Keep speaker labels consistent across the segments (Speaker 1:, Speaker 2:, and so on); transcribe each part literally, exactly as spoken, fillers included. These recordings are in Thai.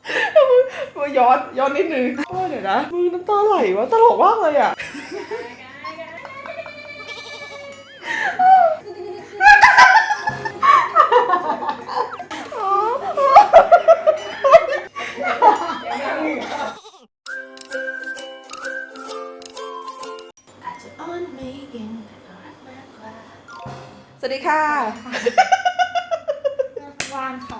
Speaker 1: มาย้อนย้อนนิดนึงโอ้เดี๋ยวนะมึงน้ำตาไหลวะตลกมากเลยอ่ะสวัสดีค่ะ
Speaker 2: ว่างค่ะ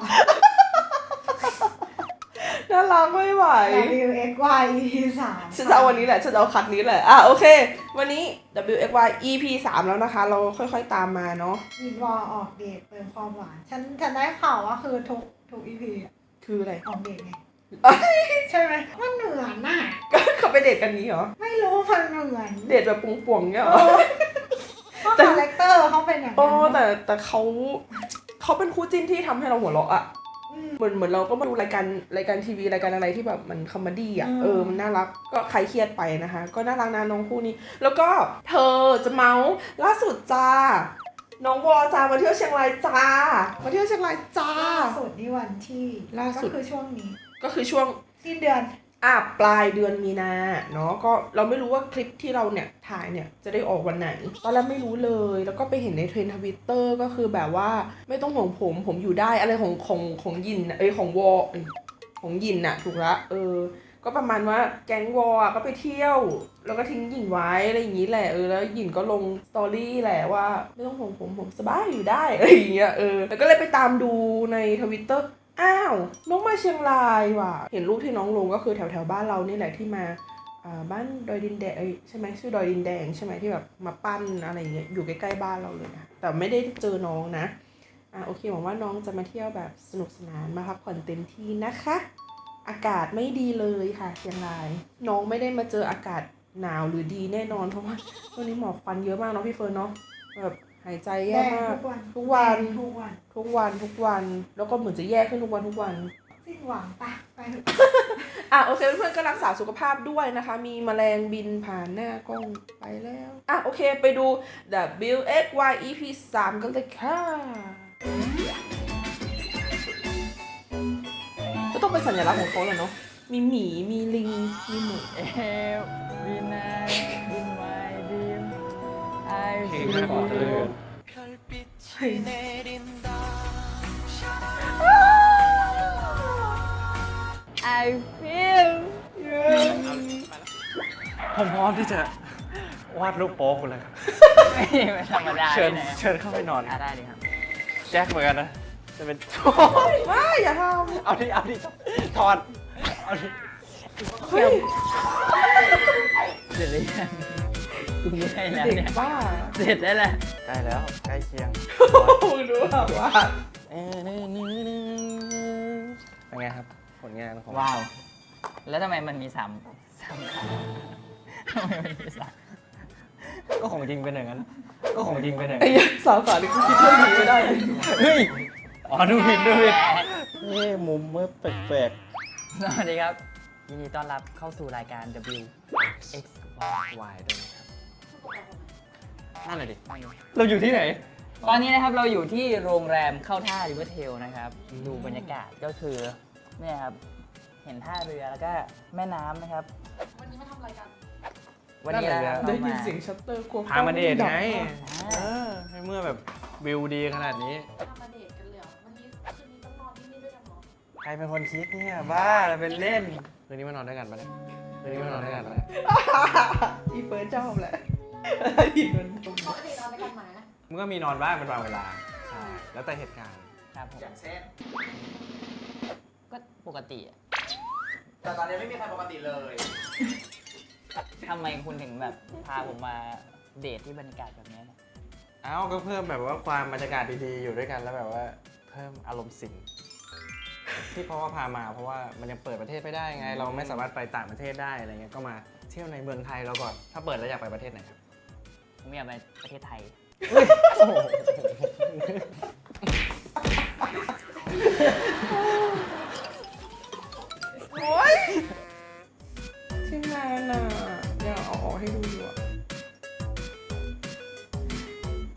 Speaker 1: น่ารักไม่ไหว
Speaker 2: ดับเบิลยู เอ็กซ์ วาย อี พี สาม
Speaker 1: ฉันจะเอาวันนี้แหละฉันจะเอาคัดนี้แหละอ่ะโอเควันนี้ ดับเบิลยู เอ็กซ์ วาย อี พี สามแล้วนะคะเราค่อยๆตามมาเนาะ
Speaker 2: มีวอลออกเดทเติมความหวานฉันฉันได้ข่าวว่าคือทุกทุก อี พี
Speaker 1: คืออะไร
Speaker 2: ออกเดทไงใช่ไหมมันเหมือนน่ะ
Speaker 1: ก็เขาไปเดทกันนี้เหรอ
Speaker 2: ไม่รู้มันเหมือน
Speaker 1: เดทแบบป่วงๆเงี้ยเหรอ
Speaker 2: เพราะคาแรคเตอร์เขาเป็นอย่างนั้น
Speaker 1: โอ้แต่แต่เขาเขาเป็นคู่จิ้นที่ทำให้เราหัวเราะอ่ะเหมือนเหมือนเราก็มาดูรายการรายการทีวีรายการอะไรที่แบบมันคอมเมดี้อ่ะเออมันน่ารักก็ใครเครียดไปนะคะก็น่ารักนะน้องคู่นี้แล้วก็เธอจะเมาส์ล่าสุดจ้าน้องวอจ้ามาเที่ยวเชียงรายจ้ามาเที่ยวเชียงรายจ้า
Speaker 2: ล่าสุดนี่วันที่
Speaker 1: ล่าสุด
Speaker 2: ก็คือช่วงนี้
Speaker 1: ก็คือช่วง
Speaker 2: สิ้นเดือน
Speaker 1: อ่ะปลายเดือนมีนาเนาะก็เราไม่รู้ว่าคลิปที่เราเนี่ยถ่ายเนี่ยจะได้ออกวันไหนตอนแรกไม่รู้เลยแล้วก็ไปเห็นในเทรนด์ทวิตเตอร์ก็คือแบบว่าไม่ต้องห่วงผมผมอยู่ได้อะไรของของของยินเอ้ยของวอเอ้ยของยินน่ะถูกละเออก็ประมาณว่าแก๊งวอก็ไปเที่ยวแล้วก็ทิ้งหยินไว้อะไรอย่างนี้แหละเออแล้วหยินก็ลงสตอรี่แหละว่าไม่ต้องห่วงผมผมสบายอยู่ได้อะไรอย่างเงี้ยเออแล้วก็เลยไปตามดูในทวิตเตอร์อ้าวน้องมาเชียงรายว่ะเห็นรูปที่น้องลงก็คือแถวแถวบ้านเรานี่แหละที่มาอ่าบ้านดอยดินแดงใช่ไหมชื่อดอยดินแดงใช่ไหมที่แบบมาปั้นอะไรเงี้ยอยู่ใกล้ๆบ้านเราเลยนะแต่ไม่ได้เจอน้องนะอ่าโอเคหวังว่าน้องจะมาเที่ยวแบบสนุกสนานมาพักผ่อนเต็มที่นะคะอากาศไม่ดีเลยค่ะเชียงรายน้องไม่ได้มาเจออากาศหนาวหรือดีแน่นอนเพราะว่าช่วงนี้หมอกควันเยอะมากเนาะพี่เฟิร์นเนาะแบบหายใจแย่มากทุกวัน
Speaker 2: ทุกวัน
Speaker 1: ทุกวันทุกวันแล้วก็เหมือนจะแย่ขึ้นทุกวันทุกวัน
Speaker 2: สิ้นหวังปะไปเถอะ
Speaker 1: อ่ะโอเคเพื่อนๆก็รักษาสุขภาพด้วยนะคะมีแมลงบินผ่านหน้ากล้องไปแล้วอ่ะโอเคไปดู ดับเบิลยู เอ็กซ์ วาย อี พี สามกันเลยค่ะก็ต้องเป็นสัญลักษณ์ของเขาแหละเนาะมีหมีมีลิงมีหมู
Speaker 3: เอลวีนาอินไมดิมไอฟีล I feel
Speaker 4: ผมพร้อมที่จะวาดรูปโป๊คุณเลยครับ
Speaker 3: ไม่ธรรมดา
Speaker 4: เชิญเชิญเข้าไปนอน
Speaker 3: อ่ะได้ดิครับ
Speaker 4: แจ็คเหมือนกันนะจะเป็น
Speaker 1: ว้าอย่าทำ
Speaker 4: เอาดิเอาดิถอดเอาดิ
Speaker 1: เฮ้ย
Speaker 3: เสร็จหรือยังกูไม่ได้แล้ว
Speaker 1: เด็
Speaker 3: เนี่
Speaker 1: ก
Speaker 3: ย
Speaker 1: บ้า
Speaker 3: เสร็จได้แล้ว
Speaker 4: ใกล้แล้วใกล้เคียง
Speaker 1: มึงรู้ป่ะว่า
Speaker 4: เป็นไงครับผลงานของ
Speaker 3: ว้าวแล้วทำไมมันมีสามสามขาทำไมมันมีสาม
Speaker 4: ก็ของจริงเป็นอย่างนั้นก็ของจริงเป็นอย่าง
Speaker 1: ไอ้
Speaker 4: นั้น
Speaker 1: ยักษ์สาวขานี่กูคิดเรื่องนี้ไม่ได้เลย
Speaker 4: เฮ้ยอ๋อดูผิดดูผิดนี่มุมเมื่อแปลก
Speaker 3: สวัสดีครับยินดีต้อนรับเข้าสู่รายการ ดับเบิลยู เอ็กซ์
Speaker 4: ๆวายด้วยนะครับนั่นแหละดิเราอยู่ที่ไหน
Speaker 3: ตอนนี้นะครับเราอยู่ที่โรงแรมเข้าท่าริเวอร์เทลนะครับดูบรรยากาศก็คือเนี่ยครับเห็นท่าเรือแล้วก็แม่น้ำนะครับวันนี้มาทำอะไรกันวันนี้เรา
Speaker 1: ได้ยินเสียงชัตเตอร์กลัว
Speaker 4: พามาเดทไงเออให้เมื่อแบบวิวดีขนาดนี้
Speaker 5: พามาเดทกันเลยเหรอวันนี้คืนนี้ต้องนอนที่นี่ด้วยกันเหรอ
Speaker 4: ใครเป็นคนคิดเนี่ยบ้าเราเป็นเล่นคืนนี้มานอนด้วยกันปะเนี่ยคืนนี้มานอนด้วยกันปะเนี่ย
Speaker 1: อีเฟิร์สชอบแหละอีเฟิร์ส
Speaker 5: ปกตินอนด้วยกันไหมนะ
Speaker 4: มันก็มีนอนบ้างเป็นบางเวลาใช่แล้วแต่เหตุการณ์
Speaker 3: ครับผม
Speaker 4: อย่างเช่น
Speaker 3: ก็ปกติอะ
Speaker 4: แต่ตอนนี้ไม่มีใครปกติเลย
Speaker 3: ทำไมคุณถึงแบบพาผมมาเดทที่บรรยากาศแบบนี้เนี่ย
Speaker 4: เอ้าก็เพิ่มแบบว่าความบรรยากาศดีๆอยู่ด้วยกันแล้วแบบว่าเพิ่มอารมณ์สิงที่เพราะว่าพามาเพราะว่ามันยังเปิดประเทศไม่ได้ไงเราไม่สามารถไปต่างประเทศได้อะไรเงี้ยก็มาเที่ยวในเมืองไทยเราก่อนถ้าเปิดแล้วอยากไปประเทศไหนครับ
Speaker 3: ผมอยากไปประเทศไทย
Speaker 1: โอ๊ยที่นานอ่ะเดี๋ยวเอาออกให้ดูอยู่อะ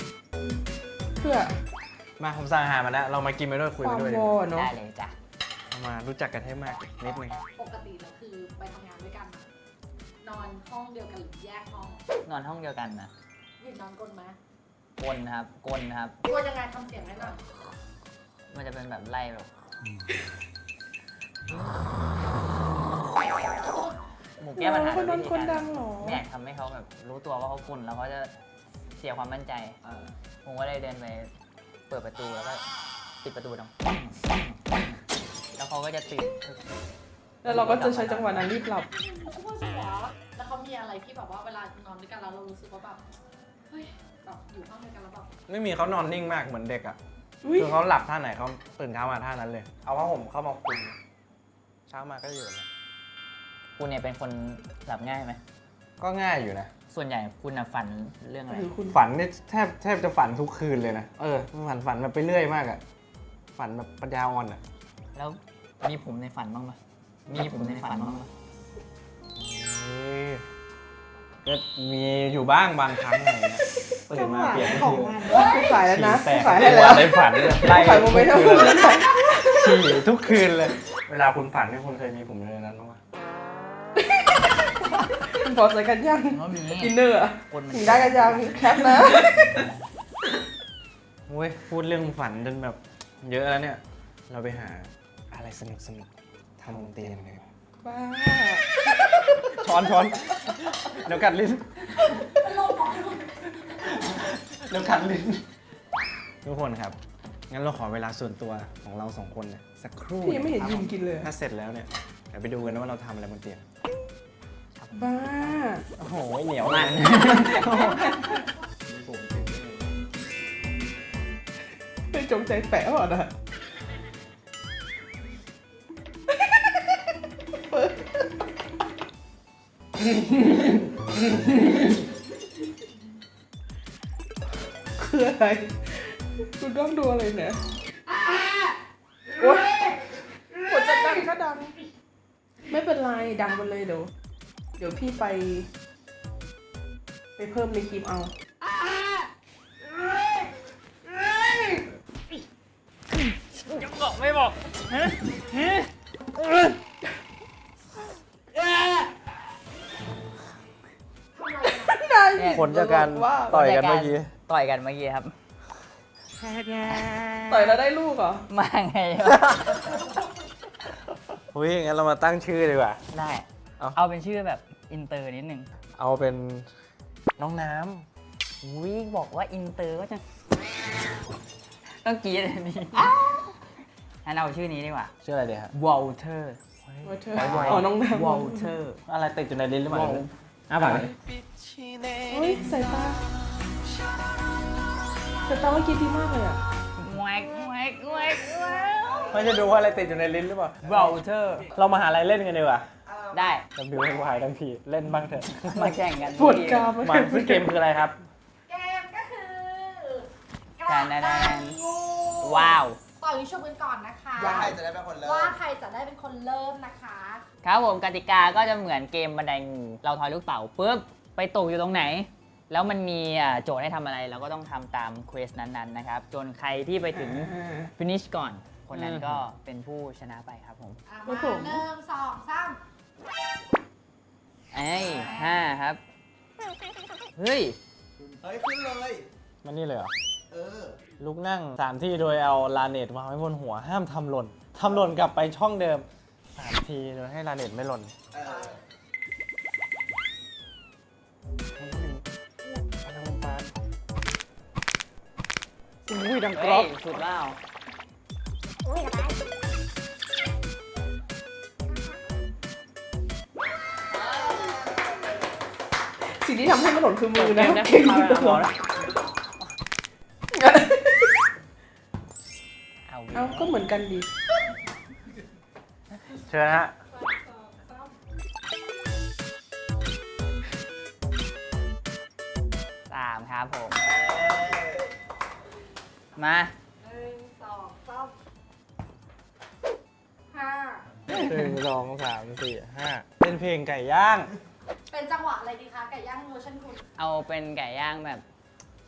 Speaker 1: เพื่อ
Speaker 4: มาผมสั่งอาหารมาแล้วเรามากินไปด้วยคุย
Speaker 1: ค
Speaker 4: ไป
Speaker 1: วาม
Speaker 4: ด้วย
Speaker 1: วอเนาะ
Speaker 3: ได้เลยจ้ะ
Speaker 4: มารู้จักกันให้มากนิดนึง
Speaker 5: ปกติแล้วคือไปทำงานด้วยกันอะนอนห้องเดียวกันหรือแยกห้อง
Speaker 3: นอนห้องเดียวกันนะ
Speaker 5: วินนอนกลนไหม
Speaker 3: กลนะครับกลนะครับ
Speaker 5: กลัวยังไงทำเสียงให้หน่อย
Speaker 3: มันจะเป็นแบบไล่แบบหมูแก้ปัญหา
Speaker 1: คนนอน
Speaker 3: วิธี
Speaker 1: คน
Speaker 3: การ
Speaker 1: ดังเหรอ
Speaker 3: ไม่อยากทำให้เขาแบบรู้ตัวว่าเขากลนแล้วเขาจะเสียความมั่นใจ ผมก็เลยเดินไปเปิดประตูแล้วก็ปิดประตูดังปังปังปังแล้วเขาก็จะตื่น
Speaker 1: แล้วเราก็จะใช้จังหวะนั้นรีบหลับ
Speaker 5: เขาพูดสิวะแล้วเขามีอะไรที่แบบว่าเวลานอนด้วยกันแล้วเรารู้สึกว่าแบบเฮ้ยแบบอยู่ห้องเดียวกันแล้วแบบ
Speaker 4: ไม่มีเขานอนนิ่งมากเหมือนเด็กอ่ะ
Speaker 1: อุ๊ย
Speaker 4: คือเขาหลับท่าไหนเขาตื่นเช้ามาท่านั้นเลย เอาผ้าห่มเข้ามาคลุมเช้ามาก็อยู่แบบนี้
Speaker 3: คุณเนี่ยเป็นคนหลับง่ายไหม
Speaker 4: ก็ง่ายอยู่นะ
Speaker 3: ส่วนใหญ่คุณน่ะฝันเรื่องอะไร
Speaker 1: หรือคุณ
Speaker 4: ฝันนี่แทบแทบจะฝันทุกคืนเลยนะ เออ ฝันฝันแบบไปเรื่อยมากอะฝันแบบปัญญาอ่อนอะ
Speaker 3: แล้วมีผมในฝันบ้างไหมมีผมในฝันบ้างไหม
Speaker 4: เฮ้ยก็มีอยู่บ้างบางครั้งอะไรเงี้ยตื่
Speaker 2: จั
Speaker 4: น
Speaker 2: งห
Speaker 4: มาว
Speaker 2: ะ
Speaker 4: เปลี่ยน
Speaker 2: ของมัน
Speaker 1: กูขายแล้วนะ
Speaker 4: ฉี่
Speaker 1: กู
Speaker 4: แตก
Speaker 1: ขายให้แล้ว
Speaker 4: ในฝันเนี่ยไล่
Speaker 1: ขายโมเมนต์
Speaker 4: ทุ
Speaker 1: ให้
Speaker 4: ก
Speaker 1: คุณ
Speaker 4: คืน
Speaker 1: แล้ว
Speaker 4: ฉี่ทุกคืนเลย เวลาคุณฝันนี่คุณเคยมีผมอยู่ในนั้นบ้างไหม
Speaker 1: คุณพอใส่กันยัง
Speaker 3: ก็มี
Speaker 1: อินเนอร์อะ
Speaker 3: คนมัน
Speaker 1: ถึงได้กันยังแคปนะ
Speaker 4: โอ้ยพูดเรื่องฝันจนแบบเยอะแล้วเนี่ย เราไปหาอะไรสนุกสนุกๆทำบนเตียงเลย
Speaker 1: บ้า
Speaker 4: ช้อนช้อนเดี๋ยวกัดลิ้น
Speaker 5: เป็นลมเหรอ
Speaker 4: เดี๋ยวกัดลิ้น ทุกคนครับ งั้นเราขอเวลาส่วนตัวของเราสองคนเนี่ยสักครู่
Speaker 1: พี่ยังไม่เห็นยิมกินเลย
Speaker 4: ถ้าเสร็จแล้วเนี่ยเดี๋ยวไปดูกันนะว่าเราทำอะไรบนเตียง
Speaker 1: บ้า
Speaker 4: โอ้โหเหนียวมาก
Speaker 1: ไม่จงใจแปะหรอนะคืออะไรคุณต้องดูอะไรเนี่ยโอ๊ยกดจะดังก็ดัง ไม่เป็นไรดังไปเลยเดี๋ยว เดี๋ยวพี่ไป ไปเพิ่มในคลิปเอา
Speaker 3: ยังบอกไม่บอกฮะฮะ
Speaker 4: ผลจากการต่อยกันเมื่อกี้
Speaker 3: ต่อยกันเมื่อกี้ครับ
Speaker 1: ต่อยแล้วได้ลูกเหรอ
Speaker 3: มาไงวะ
Speaker 4: เฮ้ยงั้นเรามาตั้งชื่อดีกว่า
Speaker 3: ได้
Speaker 4: เอา
Speaker 3: เอาเป็นชื่อแบบอินเตอร์นิดนึง
Speaker 4: เอาเป็นน้องน้
Speaker 3: อุ้ยบอกว่าอินเตอร์ก็จะ ต้องกรีดอันนี้งั้นเอาชื่อนี้ดีกว่า
Speaker 4: ำชื่ออะไรดีครับ
Speaker 3: วอลเตอร์
Speaker 1: วอเตอร์อ๋อน้องน้ำ
Speaker 3: วอลเตอร์
Speaker 4: อะไรติดอยู่ในลิ้นหรือเปล่า
Speaker 3: ว้าว
Speaker 4: อ้าปากดิ
Speaker 1: เฮ้ยสายตาสายตาเมื่อกี้ดีมากเลยอ่ะ
Speaker 3: แวกแวกแวกแวก
Speaker 4: ไม่จะดูว่าอะไรติดอยู่ในลิ้นหรือเปล่าว
Speaker 3: อลเตอร์
Speaker 4: เรามาหาอะไรเล่นกันดีกว่า
Speaker 3: ได้
Speaker 4: ดับบิวให้วายทั้งทีเล่นบ้างเถอะ
Speaker 3: มาแข่งกัน
Speaker 1: ปวดกราม
Speaker 4: มาซึ่งเกมคืออะไรครับ
Speaker 5: เกมก็คือ
Speaker 3: แทนแทนแทนว้าว
Speaker 5: ต่อยิงชุบกันก่อนนะคะ
Speaker 2: ว้าว
Speaker 6: จะได้เป็นคนเริ่ม
Speaker 5: ว่าใครจะได้เป็นคนเริ่มนะคะ
Speaker 3: ครับผมกติกาก็จะเหมือนเกมบันไดงูเราทอยลูกเต๋าปุ๊บไปตกอยู่ตรงไหน แล้วมันมีอ่าโจทย์ให้ทำอะไรเราก็ต้องทำตามเควสนั้นๆนะครับจนใครที่ไปถึง finish ก่อน คนนั้นก็เป็นผู้ชนะไปครับผม
Speaker 5: อ่ะ
Speaker 1: ครั
Speaker 5: มา
Speaker 1: บผม
Speaker 5: หนึ่งสองสาม
Speaker 3: ไอ้ยห้าครับ เฮ้ย
Speaker 6: เฮ้ย ขึ้นเลย
Speaker 4: มันนี่เลยเหรอ
Speaker 6: เออ
Speaker 4: ลุกนั่งสามที่โดยเอาลาเนตวางไว้บนหัวห้ามทำหล่นทำหล่นกลับไปช่องเดิมสามทีโดยให้ลาเนตไม่หล่น
Speaker 6: เออ
Speaker 4: อุ้ยดังกร
Speaker 3: เฮ้
Speaker 4: อย บ
Speaker 3: สุดแล้ว
Speaker 1: สิ่งที่ทำให้มันหล่นคือมือนะ
Speaker 3: เกมนะ
Speaker 1: เก่ง
Speaker 3: เอา
Speaker 1: อยู่
Speaker 3: ละ
Speaker 1: ตลอด
Speaker 3: เอา
Speaker 1: เอาก็เหมือนกันดี
Speaker 4: เชิญฮะ
Speaker 3: สามครับผม มา
Speaker 5: หนึ่งสองสามห้า
Speaker 4: หนึ่งสองสามสี่ห้าเป็นเพลงไก่ย่าง
Speaker 5: เป็นจังหวะอะไรดีคะไก่ย่างเวอร์ชันคุณ
Speaker 3: เอาเป็นไก่ย่างแบบ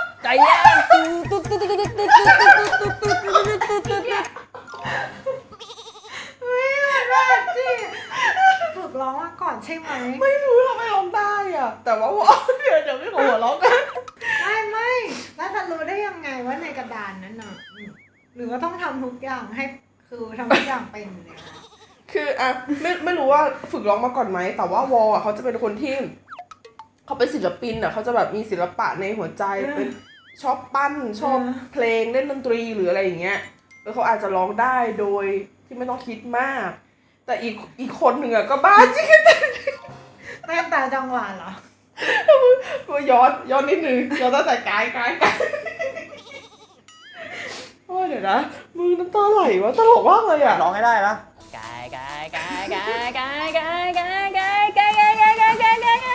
Speaker 3: ไก่ย่างตุ๊ดตุ๊ดตุ๊ดตุ๊ดตุ๊ดตุ๊ดตุ๊ดตุ๊ดตุ๊ดตุ๊ดตุ๊ด
Speaker 2: ไม่ได้สิฝึกร้องมาก่อนใช่ไหม
Speaker 1: ไม่รู้ทำไมร้องได้อ่ะ แต่ว่าว่าเดี๋ยวเดี๋ยวไม่ขอหัวเราะกัน
Speaker 2: ไม่ไม่แล้วจะรู้ได้ยังไงว่าในกระดานนั้นน่ะอืมหรือว่าต้องทำทุกอย่างให้คือทำทุกอย่างเป็นเลยนะ
Speaker 1: คืออ่ะไม่ไม่รู้ว่าฝึกร้องมาก่อนไหมแต่ว่าวอลอ่ะเขาจะเป็นคนที่เขาเป็นศิลปินอ่ะเขาจะแบบมีศิลปะในหัวใจเป็นชอบปั้นชอบเพลงเล่นดนตรีหรืออะไรอย่างเงี้ยแล้วเขาอาจจะร้องได้โดยที่ไม่ต้องคิดมาก แต่อีกอีกคนหนึ่งอ่ะก็บ้าจริง
Speaker 2: เต้นตามจังหวะเหรอ
Speaker 1: ก็ย้อนย้อนนิดนึงย้อนตั้งแต่กายกายกายโอ้ยเดี๋ยวนะมึงน้ำตาไหลวะตลกมากเลยอ่ะ
Speaker 4: ร้องให้ได้นะ
Speaker 3: ไก่ไก่ไก่ไก่ไก่ไก่ไก่ไก่ไก่ไก่ไก่ไก่ไก่ไก่ไก่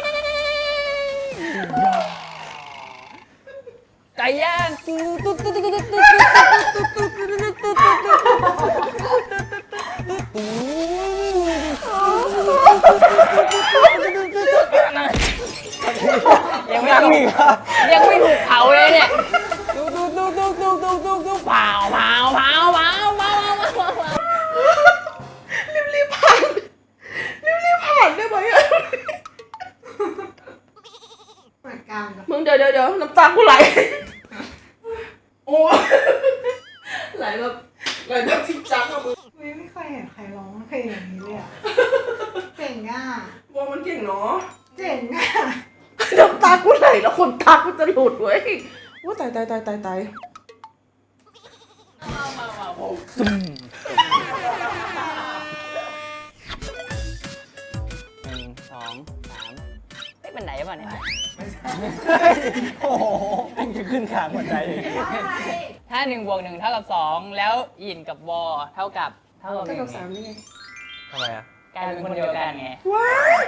Speaker 3: ไก่ย่างตุ๊ดตุ๊ดตุ๊ดตุ๊ดตุ๊ดตุ๊ดตุ๊ดยังไม่ถูกยังไม่ถูกเผาเลยเนี่ยตุ๊ดตุ๊ดตุ๊ดตุ๊ดตุ๊ดตุ๊ดตุ๊ดเผาเผาเผาเผาเผา
Speaker 1: รีบรีบผ่านรีบรีบผ่านได้ไหมอ่ะ
Speaker 2: เหมือนกันกับ
Speaker 1: มึงเดี๋ยวเดี๋ยวเดี๋ยวน้ำตากูไหลโอ้ยไหลแบบไหลแบบจริงจังอะมึง
Speaker 2: ไม่ไม่เคยเห็นใครร้องเพลงอย่างนี้เลยอ่ะเจ๋งอ่ะ
Speaker 1: วอมันเก่งเนาะ
Speaker 2: เจ๋งอ่ะ
Speaker 1: น้ำตากูไหลแล้วคนตากูจะหลุดเว้ยว่าตายตายตายตายตาย
Speaker 5: มามามาผม
Speaker 3: หนึ่งสองสามเฮ้ยบันไดป่ะเนี่ย
Speaker 4: โอ้โหมันจะขึ้นขางหัวใจเลย
Speaker 3: ถ้าหนึ่งบวกหนึ่งเท่ากับสองแล้วยินกับวอเท่ากับเท่ากับห
Speaker 1: เท่า
Speaker 3: นึ่
Speaker 1: กับ
Speaker 3: ง
Speaker 1: สามนี่ไง
Speaker 4: ทำไมอ่ะ
Speaker 3: กลายเป็นคนเดียวกันไง
Speaker 1: ว้าย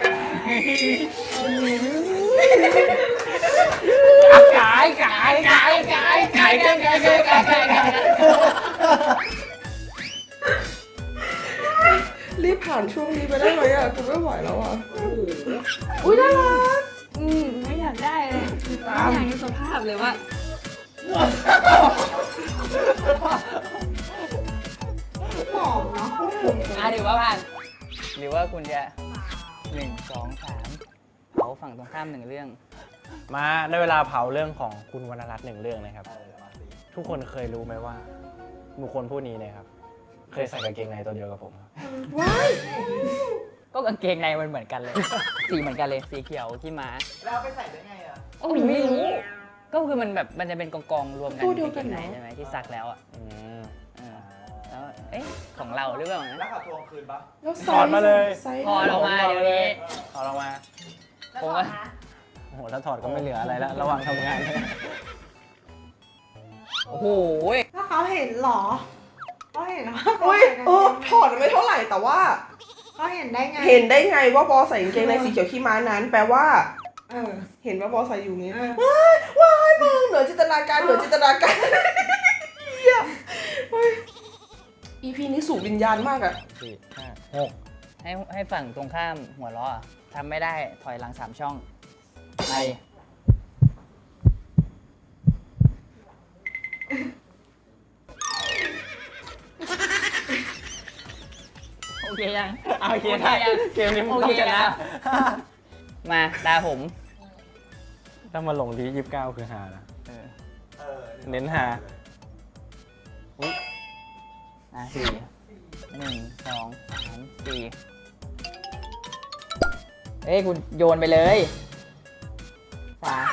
Speaker 3: กายกายกายกายกายกายกายกายกายกายกาย
Speaker 1: รีบผ่านช่วงนี้ไปได้ไหมอ่ะกูไม่ไหวแล้วอ่ะอุ้ยน่ารัก
Speaker 3: อืมไม่อยากได้เลยไม่อยากดูสภาพเลยว่า
Speaker 2: หอมเนาะ
Speaker 3: อ่ะถือว่าผ่านหรือว่าคุณจะหนึ่งสองสามเผาฝั่งตรงข้ามหนึ่งเรื่อง
Speaker 4: มาได้เวลาเผาเรื่องของคุณวรรณรัตน์หนึ่งเรื่องนะครับ ทุกคนเคยรู้ไหมว่าบุคคลผู้นี้เนี่ยครับ เคยใส่กางเกงในตัวเดียวกับผมครับ
Speaker 1: ว้าย
Speaker 3: ก็กางเกงในมันเหมือนกันเลย สีเหมือนกันเลยสีเขียวที่ม้า
Speaker 6: แล้วไปใส่ได้ไงอ่ะ
Speaker 3: โอ้ไม่รู้ ก็คือมันแบบมันจะเป็นกองกองๆรวมกัน
Speaker 1: ตัวเดียวกัน
Speaker 3: ใน
Speaker 1: เหรอ
Speaker 3: ใช่ไหมที่ซักแล้วอ่ะ
Speaker 4: อืม
Speaker 3: เออแล้วเอ๊ะของเราหรือเปล่า
Speaker 6: แล้ว
Speaker 3: นะ
Speaker 6: ขับทวงคืนปะ
Speaker 1: แล้วไซ
Speaker 4: ถอด
Speaker 1: ส์
Speaker 4: มาเลย
Speaker 1: ไซส์
Speaker 3: ถอดออกมาเดี๋ยวนี้
Speaker 4: ถอดออกมา
Speaker 5: แล้ว
Speaker 3: ผม
Speaker 5: ก่อ
Speaker 3: ว่า
Speaker 5: นนะ
Speaker 4: โอ้โหถ้าถอดก็ไม่เหลืออะไรแล้ว ระหว่างทำงาน
Speaker 3: โอ้โห
Speaker 2: แล้วเขาเห็นเหรอเขาเห็นว่าเขา
Speaker 1: อุ้ย
Speaker 2: ใส่กาง
Speaker 1: เอ
Speaker 2: เก
Speaker 1: อง ถอดไม่เท่าไหร่แต่ว่า
Speaker 2: เขาเห็นได้ไง
Speaker 1: เห็นได้ไงว่าบอใส่กางเกงในสีเขียวขี้ม้านั้น แปลว่า
Speaker 2: เออ
Speaker 1: เห็นว่าบอใส่อยู่นี้
Speaker 2: เออ
Speaker 1: ว้ายว้ายมึงเหนือจินตนาการเหนือจินตนาการเหี้ยเฮ้ย อี พี นี้สูงวิญญาณมากอะ
Speaker 4: สี่ห้าหก
Speaker 3: ให้ให้ฝั่งตรงข้ามหัวล้ออะทำไม่ได้ถอยหลังสามช่องไปโอเคยัง
Speaker 4: เอาโอเคได้
Speaker 3: ยัง
Speaker 4: เกมนี้มัน
Speaker 3: โอ
Speaker 4: ต้อ
Speaker 3: เค
Speaker 4: งชนะ
Speaker 3: แล้วมาตาผม
Speaker 4: ถ้ามาลงที่ยี่สิบเก้าคือหานะ
Speaker 3: เออ
Speaker 6: เออ
Speaker 4: เน้นหา
Speaker 3: อ่ะสี่หนึ่งสองสามสี่เอ้ยคุณโยนไปเลยสาม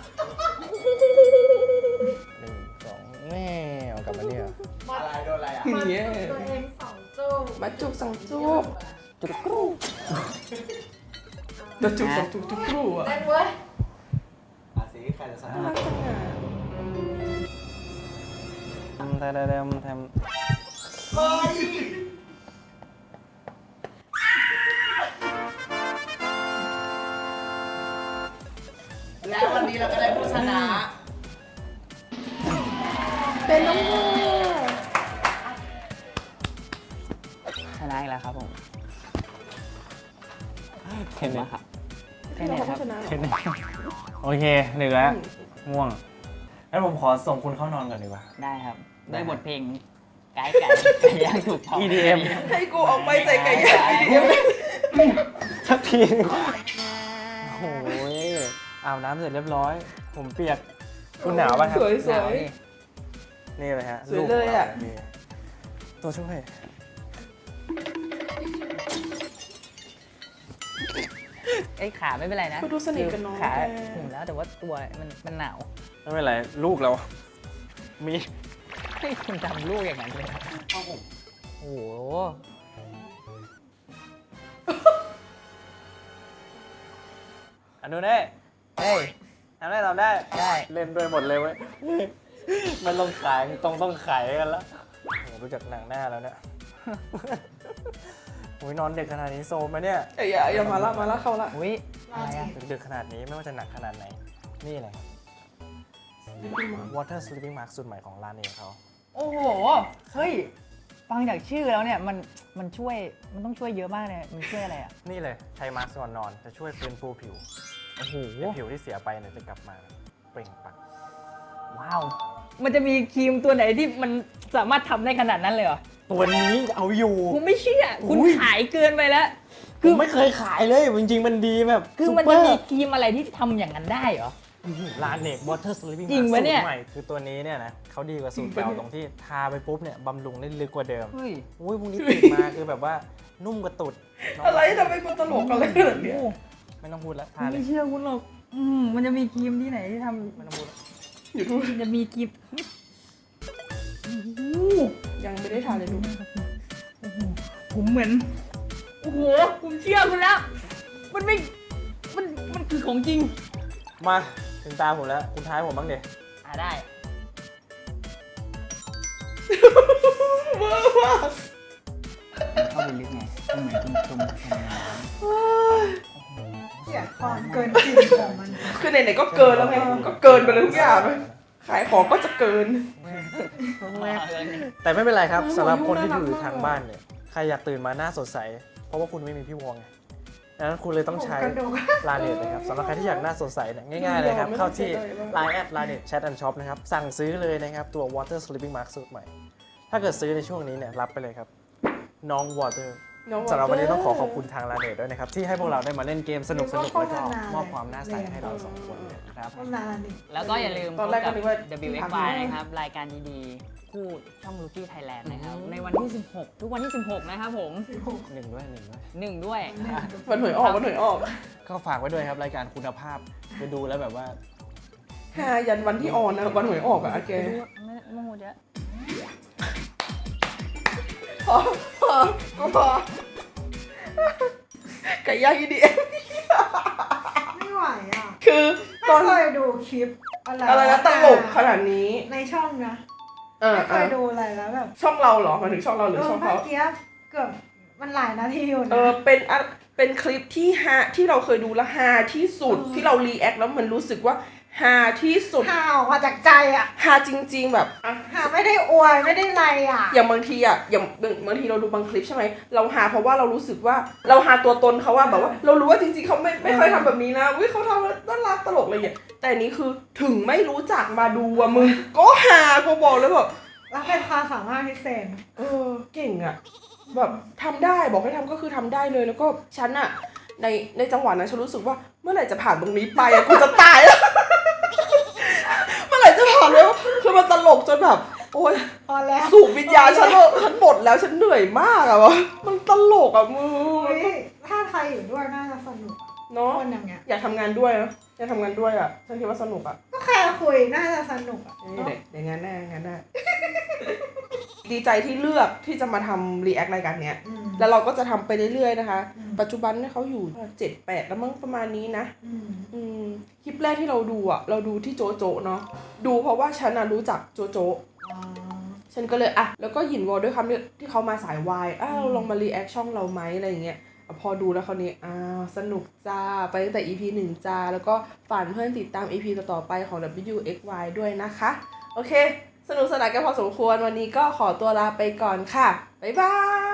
Speaker 4: หนึ่งสองแม่เอากลับมาเนี่ย
Speaker 6: อะไรโดนอะไรอ่ะ
Speaker 1: อย่างเงี้ย
Speaker 2: ตัวเองสองจุก
Speaker 1: มาจุกสองจุก
Speaker 3: จุดกรู
Speaker 1: มาจุกสองจุกจุกกรูอะ
Speaker 5: เต้นเว้ย
Speaker 6: อาสิใครจะชนะ
Speaker 1: น่ารักจังอะ
Speaker 4: ทำทำทำทำ
Speaker 6: และวันนี้เราก็ได้ผู้ชนะ
Speaker 1: เป็นน้องโม
Speaker 3: อีกแล้วครับผม
Speaker 4: เทนนิส
Speaker 3: ครับ
Speaker 1: แค่นี้เขาก็ชนะเหร
Speaker 4: เท
Speaker 1: อน
Speaker 4: นิสโอเคเหนื่อยแล้วง่วงงั้นผมขอส่งคุณเข้านอนก่อนดีกว่า
Speaker 3: ได้ครับ
Speaker 4: ได้
Speaker 3: ด้วย
Speaker 4: ครับ
Speaker 3: บทเพลงไก่ไก่ไก่ย่างถูกต้อง
Speaker 4: อี ดี เอ็ม
Speaker 1: ให้กูออกไปใจไก่ย่าง อี ดี เอ็ม
Speaker 4: สักทีนึงโอ้ยอาบน้ำเสร็จเรียบร้อย ผมเปียก คุณหนาวป่ะครับ
Speaker 1: สวยส
Speaker 3: หนาว
Speaker 1: วย
Speaker 3: ดิ
Speaker 4: นี่เลยฮะ
Speaker 1: สวยเลยอะ
Speaker 4: รูปของเรานี่ตัวช่วย
Speaker 3: ไอ้ยขาไม่เป็นไรนะ
Speaker 1: ก็ดูสนิทกันเนาะ
Speaker 3: ขา
Speaker 1: แก
Speaker 3: ถึงแล้วแต่ว่าตัวมันมันหนาว
Speaker 4: ไม่เป็นไร ลูกเรา มี
Speaker 3: ให้คุณทำลูกอย่างนั้นเลยอะโอ้โห
Speaker 4: อันนู้นได้
Speaker 3: เฮ้ย
Speaker 4: ทำได้ทำได้
Speaker 3: ได้
Speaker 4: เล่นด้วยหมดเลยเว้ย มันต้องขายต้องต้องขายกันแล้วโหรู้จักหนังหน้าแล้วเนี่ย โอ้ยนอนดึกขนาดนี้โซมไหมเนี่ย
Speaker 1: อย่าอย่าอย่ามาละมาละเข้าละ
Speaker 3: อุ้ยอะไรอะ
Speaker 4: ดึกๆขนาดนี้ไม่ว่าจะหนักขนาดไหน นี่เลยครับ Water Sleeping Mask สูตรใหม่ของร้านเองเขา
Speaker 3: โอ้โห เฮ้ย ฟังจากชื่อแล้วเนี่ยมันมันช่วยมันต้องช่วยเยอะมากเลยมันช่วยอะไรอ่ะ
Speaker 4: นี่เลยใช้มาสก์ก่อนนอนจะช่วยฟื้นฟูผิว
Speaker 3: โอ้โห
Speaker 4: ให้ผิวที่เสียไปเนี่ยจะกลับมาเปล่งปลั่ง
Speaker 3: ว้าว มันจะมีครีมตัวไหนที่มันสามารถทำได้ขนาดนั้นเลยเหรอ
Speaker 4: ตัวนี้เอาอยู่
Speaker 3: ผมไม่เชื่อ คุณ
Speaker 4: อุ้ย
Speaker 3: ขายเกินไปแล้ว
Speaker 4: ผมไม่เคยขายเลยจริงๆมันดีแบบ
Speaker 3: คือ
Speaker 4: ซุป
Speaker 3: มัน
Speaker 4: เป
Speaker 3: จะ
Speaker 4: ร์
Speaker 3: มีครีมอะไรที่ทำอย่างนั้นได้เหรอ
Speaker 4: ลาเนก Water Sleeping
Speaker 3: จริง
Speaker 4: Mask
Speaker 3: ปะเนี่ย
Speaker 4: สูตรใหม่คือตัวนี้เนี่ยนะเขาดีกว่าสูตรเก่าตรงที่ทาไปปุ๊บเนี่ยบำรุงได้ลึกกว่าเดิม
Speaker 3: เฮ้ย
Speaker 4: อุ้ยพวกนี้ติดมาคือแบบว่านุ่มกระตุดน้ง
Speaker 1: อะไรทำไมกูตลกอะไรขนาดเนี้ย
Speaker 4: ไม่ต้องพูดแล้วทาเล
Speaker 3: ไม่
Speaker 4: ย
Speaker 3: เชื่อคุณหรอกอืมมันจะมีครีมที่ไหนที่ท
Speaker 4: ไม่ต้องพูดแล้ว
Speaker 1: อยู่ดู
Speaker 3: ำมันจะมีครีมโอ้โห
Speaker 1: ยังไม่ได้ทานเลยดู
Speaker 3: โอ้โหผมเหมือน โอ้โห ผมเชื่อคุณแล้ว มันไม่ มัน มันคือของจริง
Speaker 4: มาถึงตาผมแล้วคุณท้ายผมบ้างเดี๋ย
Speaker 3: อ่าได้
Speaker 1: เวอร์มาก
Speaker 3: เข้าไปลึกไงมันเหมือนคุณชมทำงาน
Speaker 2: เกลียดความเกินจริงของมัน
Speaker 1: คือไหนๆก็เกินแล้วไงก็เกินไปเลยทุกอย่างเลยขายของก็จะเกิน
Speaker 4: แต่ไม่เป็นไรครับ
Speaker 1: โอ้โห
Speaker 4: สำหรับคนที่
Speaker 1: น่ารัก
Speaker 4: อยู่
Speaker 1: มาก
Speaker 4: ทางบ้านเนี่ยใครอยากตื่นมาหน้าสดใส เพราะว่าคุณไม่มีพี่วงไงดังนั้นคุณเลยต้องใช้
Speaker 2: กระดูก
Speaker 4: ลาเน็ตนะครับสำหรับใครที่อยากหน้าสดใสเนี่ยง่ายๆเลยครับ เข้าที่ Line แอด ลาเน็ต Chat and Shop นะครับ สั่งซื้อเลยนะครับ ตัว Water Sleeping Mask สูตรใหม่ ถ้าเกิดซื้อในช่วงนี้เนี่ยรับไปเลยครับ น้อง Water
Speaker 1: น้อง
Speaker 4: สำหรับวันนี้ต้องขอขอบคุณทางลาเน็ตด้วยนะครับ ที่ให้พวกเราได้มาเล่นเกมสนุกๆแล้วก็มอบความน่าใสให้เราสองคนเลยนะครับ
Speaker 2: นานนี่
Speaker 3: แล้วก็อย่าลืม
Speaker 1: ตอนแรกก็นึกว่า
Speaker 3: พบกับ ดับเบิลยู เอ็กซ์ วาย นะครับ รายการดีๆ คู่ช่อง Rookie Thailand นะครับ ในวันที่ สิบหก ทุกวันที่ สิบหก นะครับผม
Speaker 4: หนึ่งด้วยหนึ่งด้วย
Speaker 3: หนึ่งด้วย
Speaker 1: วันหวยออกวันหวยออก
Speaker 4: ก็ฝากไว้ด้วยครับรายการคุณภาพไปดูแล้วแบบว่า
Speaker 1: หายันวันที่ออนนะวันหวยออกอะแก
Speaker 3: ไม่รู้ไม่ไม่พูดเยอะ
Speaker 1: พอพอก็พอไก่ย่างอีดีเอ็ม
Speaker 2: ไม่ไหวอ่ะ
Speaker 1: คือต
Speaker 2: ไม่
Speaker 1: อน
Speaker 2: เคยดูคลิปอะไร
Speaker 1: อะไรนะตลกขนาดนี้
Speaker 2: ในช่องนะ
Speaker 1: เออ
Speaker 2: ไม่เค
Speaker 1: เออย
Speaker 2: ดูอะไรแล้วแบบ
Speaker 1: ช่องเราเหรอหมายถึงช่องเราหรือ
Speaker 2: เออ
Speaker 1: ช่อง
Speaker 2: เมื่
Speaker 1: เขา
Speaker 2: อกี้เกือบมันหลายนาทีอยู่
Speaker 1: เอ
Speaker 2: นะ
Speaker 1: อเป็นอะเป็นคลิปที่ฮาที่เราเคยดูและฮาที่สุดที่เรารีแอคแล้วมันรู้สึกว่าฮาที่สุด
Speaker 2: หาออกมาจากใจอ่ะ
Speaker 1: ฮาจริง ๆ แบบอ่ะ
Speaker 2: หาไม่ได้อวยไม่ได้ไรอ่ะ
Speaker 1: อย่างบางทีอ่ะอย่างบางทีเราดูบางคลิปใช่ไหมเราหาเพราะว่าเรารู้สึกว่าเราหาตัวตนเขาว่าแบบว่า เรารู้ว่าจริงๆเขาไม่ไม่เคยทำแบบนี้นะวิเขาทำแล้วน่ารักตลกอะไรอย่างเงี้ยแต่อันนี้คือถึงไม่รู้จักมาดูอ่ะมึงก็หากูบอกเลยแบบ
Speaker 2: แล้วเป็นความสามารถพิเศษ
Speaker 1: เออเก่งอ่ะแบบทำได้บอกให้ทำก็คือทำได้เลยแล้วก็ฉันอ่ะในในจังหวะนั้นฉันรู้สึกว่าเมื่อไหร่จะผ่านตรงนี้ไปอ่ะกูจะตายแล้ว เมื่อไหร่จะผ่านแล้วคือมันตลกจนแบบ โอ๊ย
Speaker 2: พอแล้ว
Speaker 1: สูบวิญญาณฉันเลยฉันหมดแล้วฉันเหนื่อยมากอะวะมันตลกอะมึง
Speaker 2: เฮ้ยถ้าใครอยู่ด้วยน่าจะสนุกอะ
Speaker 1: เนาะ
Speaker 2: คนอย่างเงี้ย
Speaker 1: อยากทำงานด้วยนะอยากทำงานด้วยอะฉันคิดว่าสนุกอะ
Speaker 2: ก็แค่คุยน่าจะสนุกอ่ะ
Speaker 1: เอ้ยเดี๋ยวเดี๋ยวงานแน่งานแน่ ดีใจที่เลือกที่จะมาทำรีแอครายการเนี้ย
Speaker 2: อืม
Speaker 1: แล้วเราก็จะทำไปเรื่อยๆนะคะ
Speaker 2: อืม
Speaker 1: ปัจจุบันเนี่ยเขาอยู่เจ็ดแปดแล้วมั้งประมาณนี้นะ
Speaker 2: อืม
Speaker 1: อืมคลิปแรกที่เราดูอะเราดูที่โจโจเนาะดูเพราะว่าฉันอะรู้จักโจโจ
Speaker 2: อ๋อ
Speaker 1: ฉันก็เลยอ่ะแล้วก็หยินวอลด้วยคำที่ที่เขามาสายวายอ้าวลองมารีแอคช่องเราไหมอะไรอย่างเงี้ยอ่ะพอดูแล้วคราวนี้อ้าวสนุกจ้าไปตั้งแต่ อี พี หนึ่งจ้าแล้วก็ฝากเพื่อนติดตาม อี พี ต่อๆไปของ ดับเบิลยู เอ็กซ์ วาย ด้วยนะคะโอเคสนุกสนานกันพอสมควรวันนี้ก็ขอตัวลาไปก่อนค่ะบ๊ายบาย